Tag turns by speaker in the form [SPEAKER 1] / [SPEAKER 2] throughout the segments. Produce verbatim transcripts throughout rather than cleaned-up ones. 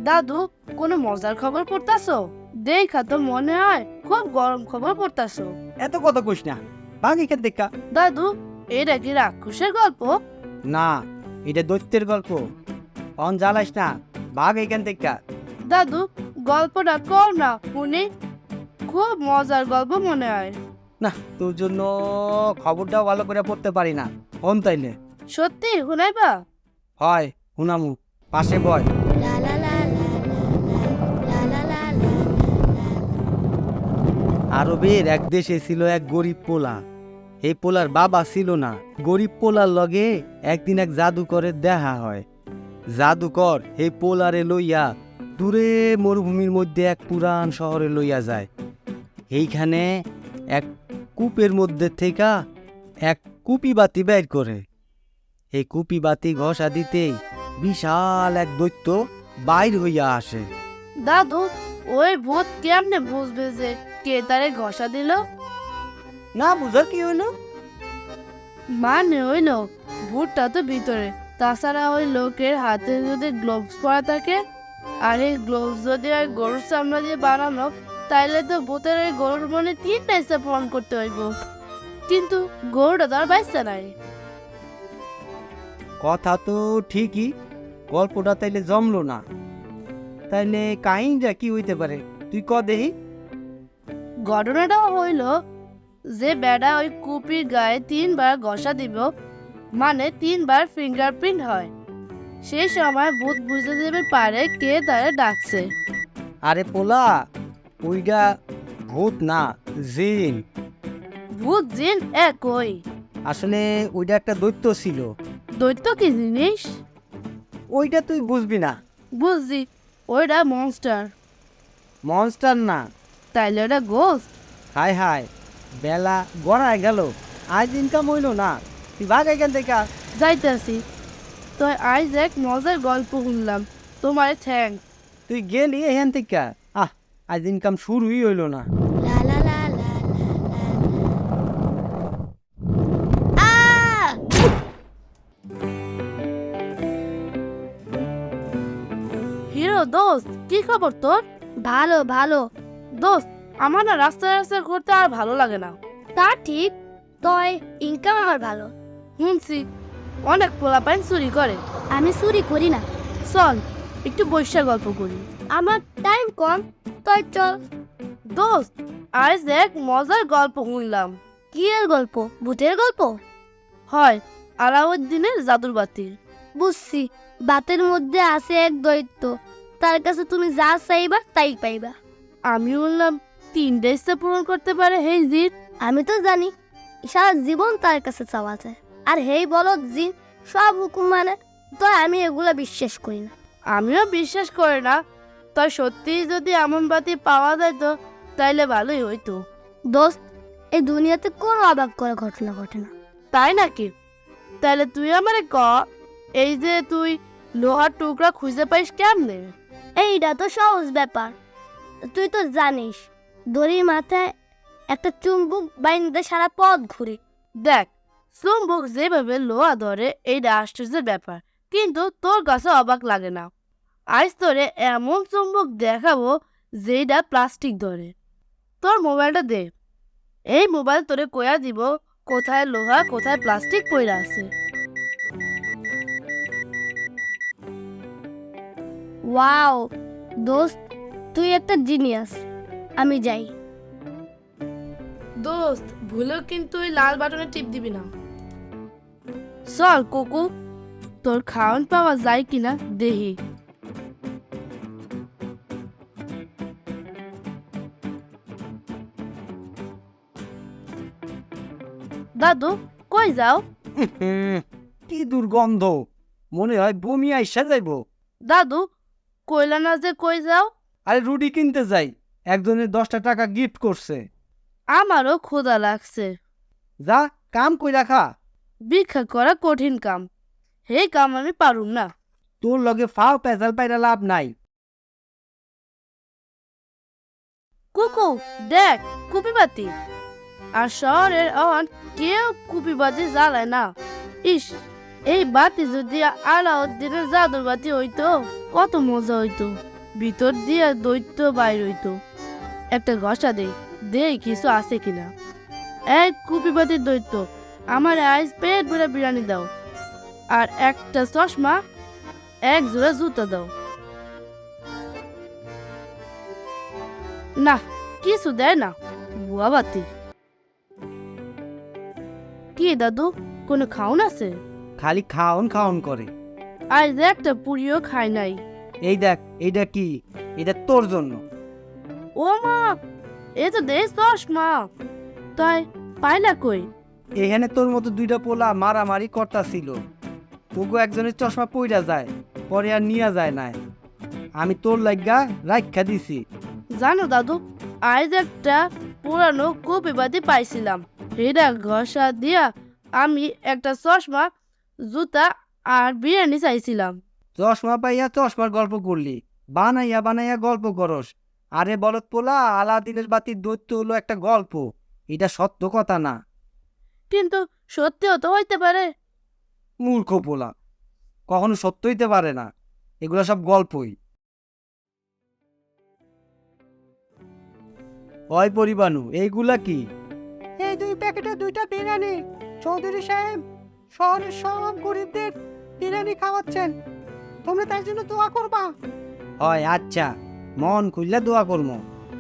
[SPEAKER 1] দাদু, কোনো মজার খবর পড়তাছো? দেখা তো মনে হয় খুব গরম খবর পড়তাছো।
[SPEAKER 2] এত কথা কইস না, ভাগ এখান থেকে।
[SPEAKER 1] দাদু, এটা কি রাক্ষসের গল্প?
[SPEAKER 2] না, এটা দৈত্যের গল্প। অন জ্বালাইস না, ভাগ এখান থেকে।
[SPEAKER 1] দাদু, গল্পটা কর না শুনি, খুব মজার গল্প মনে হয়।
[SPEAKER 2] না, তোর জন্য খবরটাও ভালো করে পড়তে পারি না। অন তাইলে
[SPEAKER 1] সত্যি শুনাইবা?
[SPEAKER 2] হয় হুনামু, পাশে বয়। আরবের এক দেশে ছিল এক গরিব পোলা। এই পোলার বাবা ছিল না। গরিব পোলার লগে একদিন এক জাদুকরের দেখা হয়। জাদুকর এই পোলারে লইয়া দূরে মরুভূমির মধ্যে এক পুরান শহরে লইয়া যায়। এইখানে এক কূপের মধ্যে থেকে এক কুপি বাতি বের করে। এই কুপি বাতি ঘষা দিতেই বিশাল এক দৈত্য বাইর হইয়া আসে।
[SPEAKER 1] দাদু, ওই ভূত কেমনে বুঝবে যে কে তারে ঘষা দিল?
[SPEAKER 2] না বুঝার কি হইল?
[SPEAKER 1] মানে হইল ভূতটা তো ভিতরে, তাছাড়া ওই লোকের হাতে যদি গ্লোভস পরা থাকে, আর এই গ্লোভস যদি ওই গরুর চামড়া দিয়ে বানানো, তাইলে তো ভূতের ওই গরুর মনে তিনটা ইচ্ছা পূরণ করতে হইব। কিন্তু গরুটা তো আর বাঁচতে নাই।
[SPEAKER 2] কথা তো ঠিকই, গল্পটা তাইলে জমলো না। তাইলে কাহিনীটা কি হইতে পারে তুই ক দেহি।
[SPEAKER 1] ঘটনাটাও হইল যে বেড়া ওই কুপির গায়ে তিনবার ঘষা দিব, মানে তিনবার ফিঙ্গারপ্রিন্ট হয়। সেই সময় ভূত বুঝতে দেবে পারে কে তারে ডাকছে।
[SPEAKER 2] আরে পোলা, ওইটা ভূত না, জিন।
[SPEAKER 1] ভূত জিন একই।
[SPEAKER 2] আসলে ওইটা একটা দৈত্য ছিল।
[SPEAKER 1] দৈত্য কি জিনিস?
[SPEAKER 2] ওইটা তুই বুঝবি না।
[SPEAKER 1] বুঝছি, ওইটা মনস্টার।
[SPEAKER 2] মনস্টার না।
[SPEAKER 1] তাইলে ওটা গোস্ট।
[SPEAKER 2] হায় হায়, বেলা গড়ায় গেল, আজ ইনকাম হইল না। তুই ভাগ এখান থেকে।
[SPEAKER 1] যাইতেছি। তো আজ এক মজার গল্প শুনলাম, তোমার থ্যাংক।
[SPEAKER 2] তুই গেলি এখান থেকে। আহ, আজ ইনকাম শুরুই হইল না।
[SPEAKER 1] হিরো দোস্ত, কি খবর তোর?
[SPEAKER 3] ভালো ভালো।
[SPEAKER 1] দোস্ত, আমার না রাস্তায় রাস্তায় ঘুরতে আর ভালো লাগে না।
[SPEAKER 3] তা ঠিক, তয় ইনকাম আমার ভালো।
[SPEAKER 1] শুনছি অনেক পোলাপাইন চুরি করে।
[SPEAKER 3] আমি চুরি করি না।
[SPEAKER 1] চল একটু বৈশা গল্প করি।
[SPEAKER 3] আমার টাইম কম, তয় চল।
[SPEAKER 1] দোস্ত, আজ এক মজার গল্প শুনলাম।
[SPEAKER 3] কি এর গল্প? ভূতের গল্প?
[SPEAKER 1] হয়, আলাউদ্দিনের জাদুর বাতি।
[SPEAKER 3] বুঝছি, বাতের মধ্যে আছে এক দৈত্য, তার কাছে তুমি যা চাইবা তাই পাইবা।
[SPEAKER 1] আমি বললাম তিনটে ইচ্ছা পূরণ করতে পারে হেই জিন।
[SPEAKER 3] আমি তো জানি সারা জীবন তার কাছে চাওয়া যায়, আর হেই বলদ জিন সব হুকুম মানে। তো আমি এগুলা বিশ্বাস করি না।
[SPEAKER 1] আমিও বিশ্বাস করি না। তাই সত্যি যদি এমন বাতি পাওয়া যায় তো তাইলে ভালোই হইতো।
[SPEAKER 3] দোস্ত, এই দুনিয়াতে কোনো অবাক করা ঘটনা ঘটে না।
[SPEAKER 1] তাই নাকি? তাহলে তুই আমারে ক, এই যে তুই লোহার টুকরা খুঁজে পাইস কেমনে?
[SPEAKER 3] এইটা তো সহজ ব্যাপার। তুই তো জানিস, দড়ির মাথায় একটা চুম্বক বাইন্দে সারা পথ ঘুরি।
[SPEAKER 1] দেখ, চুম্বক যেভাবে লোহা ধরে এইটা আশ্চর্যের ব্যাপার, কিন্তু তোর কাছে অবাক লাগে না। আজ তোরে এমন চুম্বক দেখাবো যেটা প্লাস্টিক ধরে। তোর মোবাইলটা দে, এই মোবাইল তোরে কয়া দিব কোথায় লোহা কোথায় প্লাস্টিক পইরা আছে।
[SPEAKER 3] ওয়াও দোস্ত, তুই একটা জিনিয়াস। আমি যাই।
[SPEAKER 1] দোস্ত, ভুলেও কিন্তু ওই লাল বাটনে টিপ দিবি না। চল কোকু, তোর খাওয়ান পাওয়া যায় কিনা দেহি। দাদু, কই যাও?
[SPEAKER 2] হুম, কি দুর্গন্ধ, মনে হয় বমি আইসা যাইব।
[SPEAKER 1] দাদু, কইলা না যে কই যাও?
[SPEAKER 2] আরে রুটি কিনতে যাই, একজনের দশটা টাকা গিফট করছে।
[SPEAKER 1] আমারও ক্ষুধা লাগছে।
[SPEAKER 2] যা কাম কই রাখা।
[SPEAKER 1] ভিক্ষা করা কঠিন কাম, হে কাম আমি পারুম না।
[SPEAKER 2] তোর লগে ফাও পেঁচাল পাইরা লাভ নাই।
[SPEAKER 1] কুকু দেখ, কুপি বাতি। আর শহরের অন কেউ কুপি বাতি জ্বালায় না। ইস, এই বাতি যদি আলাউদ্দিনের জাদুর বাতি হইতো কত মজা হইতো। ভিতর দিয়ে দৈত্য বাইর হইতো। একটা ঘষা দেই দেই কিছু আছে কিনা। এক কুপিবাতির দৈত্য, আমার আইস পেট ভরে বিরিয়ানি দাও, আর একটা চশমা, এক জোড়া জুতো দাও। না, কিছু দেয় না, বুয়া বাতি। কি দাদু, কোনো খাওন আছে?
[SPEAKER 2] খালি খাওন খাওন করে।
[SPEAKER 1] আজ একটা পুরিও খাই নাই।
[SPEAKER 2] এই দেখ, এইটা কি? এটা তোর জন্য।
[SPEAKER 1] ও মা, এ তো দেশ চশমা, তাই পাইলা কই?
[SPEAKER 2] এখানে তোর মতো দুইটা পোলা মারামারি করতাছিল, ওগো একজনের চশমা পইরা যায়, পরে আর নিয়া যায় না। আমি তোর লাগা রাখা দিছি।
[SPEAKER 1] জানো দাদু, আজ একটা পুরানো কপিবাতি পাইছিলাম, এটা ঘষা দিয়া আমি একটা চশমা, জুতা আর বিরিয়ানি চাইছিলাম।
[SPEAKER 2] চশমা পাইয়া চশমার গল্প করলি, বানাইয়া বানাইয়া গল্প করস। আরে বলত পোলা, আলাদিনের বাতির দৈত্য হলো একটা গল্প, এটা সত্য কথা না।
[SPEAKER 1] কিন্তু সত্যিও তো হইতে পারে।
[SPEAKER 2] মূর্খ পোলা, কখনো সত্য হইতে পারে না, এগুলো সব গল্পই। ওই পরিবানু, এইগুলা কি?
[SPEAKER 4] এই দুই প্যাকেটে দুইটা বিরিয়ানি। চৌধুরী সাহেব শহরের সব গরিবদের বিরিয়ানি খাওয়াচ্ছেন, তোমরা তার জন্য দোয়া করবা।
[SPEAKER 2] হয় আচ্ছা, মন খুললে দোয়া করবো।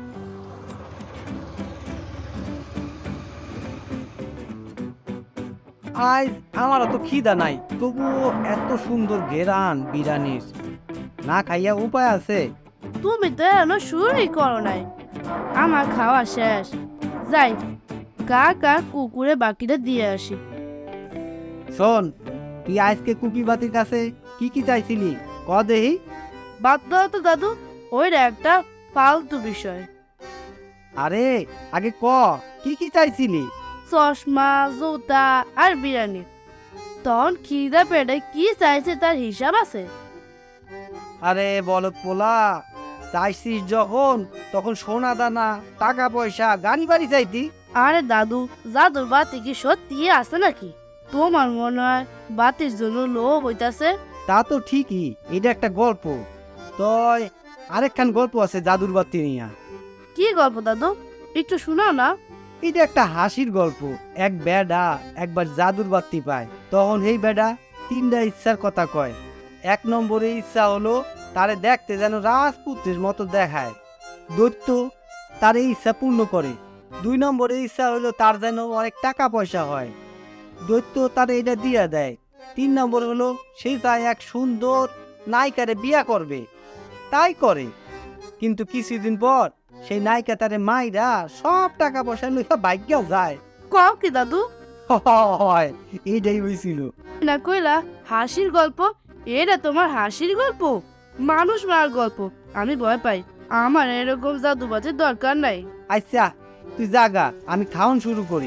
[SPEAKER 2] আজ আমার অত খিদা নাই, তবুও এত সুন্দর ঘেরান বিরিয়ানির, না খাইয়া উপায় আছে?
[SPEAKER 1] তুমি তো এখনো শুরুই করো নাই, আমার খাওয়া শেষ। যাই, কাকা কুকুরে বাকিটা দিয়ে আসি।
[SPEAKER 2] শোন, তুই আজকে কুপি বাতির কাছে কি কি চাইছিলি ক দেহি?
[SPEAKER 1] বাদ দাও তো দাদু, ওইটা একটা ফালতু বিষয়।
[SPEAKER 2] আরে আগে ক, কি কি চাইছিলি?
[SPEAKER 1] চশমা, জুতা আর বিরিয়ানি। তখন খিদা পেটে কি চাইছে তার হিসাব আছে?
[SPEAKER 2] আরে বলত পোলা, চাইছিস যখন, তখন সোনা দানা, টাকা পয়সা, গাড়ি বাড়ি চাইতি।
[SPEAKER 1] আরে দাদু, জাদুর বাতি কি সত্যি আছে নাকি? তোমার মনে হয় বাতির জন্য লোভ হইতাছে?
[SPEAKER 2] তা তো ঠিকই, এটা একটা গল্প। তয় আরেকখান গল্প আছে জাদুর বাতি নিয়া।
[SPEAKER 1] কি গল্প দাদু, একটু শোনাও না।
[SPEAKER 2] এটা একটা হাসির গল্প। এক বেডা একবার জাদুর বাতি পায়, তখন এই বেডা তিনটা ইচ্ছার কথা কয়। এক নম্বরে ইচ্ছা হলো তারে দেখতে যেন রাজপুত্রের মতো দেখায়, দৈত্য তার এই ইচ্ছা পূর্ণ করে। দুই নম্বরে ইচ্ছা হলো তার যেন অনেক টাকা পয়সা হয়, দৈত্য তার এটা দিয়া দেয়। তিন নম্বর হলো সে চায় এক সুন্দর নায়িকারে বিয়া করবে, তাই করে। কিন্তু কিছুদিন পর সেই নায়িকা তারে মাইরা সব টাকা পয়সা লইয়া ভাগ্যও যায়।
[SPEAKER 1] কও কি দাদু?
[SPEAKER 2] হয়, এইটাই হয়েছিল।
[SPEAKER 1] না কইলা হাসির গল্প, এটা তোমার হাসির গল্প? মানুষ মারার গল্প। আমি ভয় পাই, আমার এরকম জাদুবাজির দরকার নাই।
[SPEAKER 2] আচ্ছা তুই জাগা, আমি খাওয়ান শুরু করি।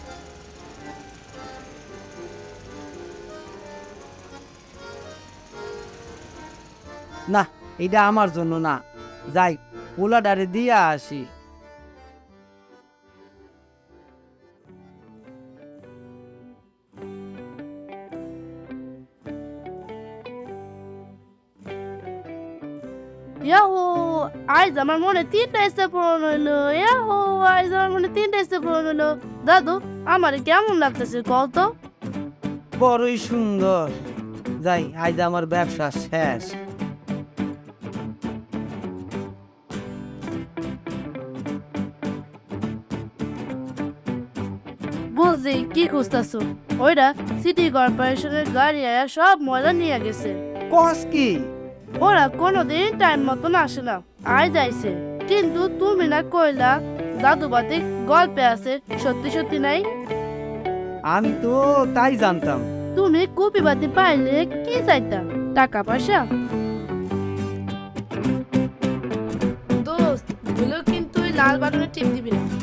[SPEAKER 2] না, এটা আমার জন্য না, যাই পোলাডারে দিয়া আসি।
[SPEAKER 1] ইয়াহো, আজ আমার মনে তিনটা ইচ্ছা পূরণ হইলো। ইয়াহো, আজ আমার মনে তিনটা ইচ্ছা পূরণ হইলো। দাদু, আমার কেমন লাগতেছে কল তো?
[SPEAKER 2] বড়ই সুন্দর। যাই, আজ আমার ব্যবসা শেষ।
[SPEAKER 1] বুঝছি কি খুঁজতেছো। ওইটা সিটি কর্পোরেশনের গাড়ি আয়া সব ময়লা নিয়ে গেছে।
[SPEAKER 2] কস কি?
[SPEAKER 1] ওরা কোনোদিন টাইম মতন আসে না, আজ আইছে। কিন্তু তুমি না কইলা জাদুবাতি গল্পে আছে, সত্যি সত্যি নাই?
[SPEAKER 2] আমি তো তাই জানতাম।
[SPEAKER 1] তুমি কুপিবাতি পাইলে কি চাইতা? টাকা পয়সা? দোস্ত, ভুলেও কিন্তু ওই লাল বাটনে টিপ দিবি না।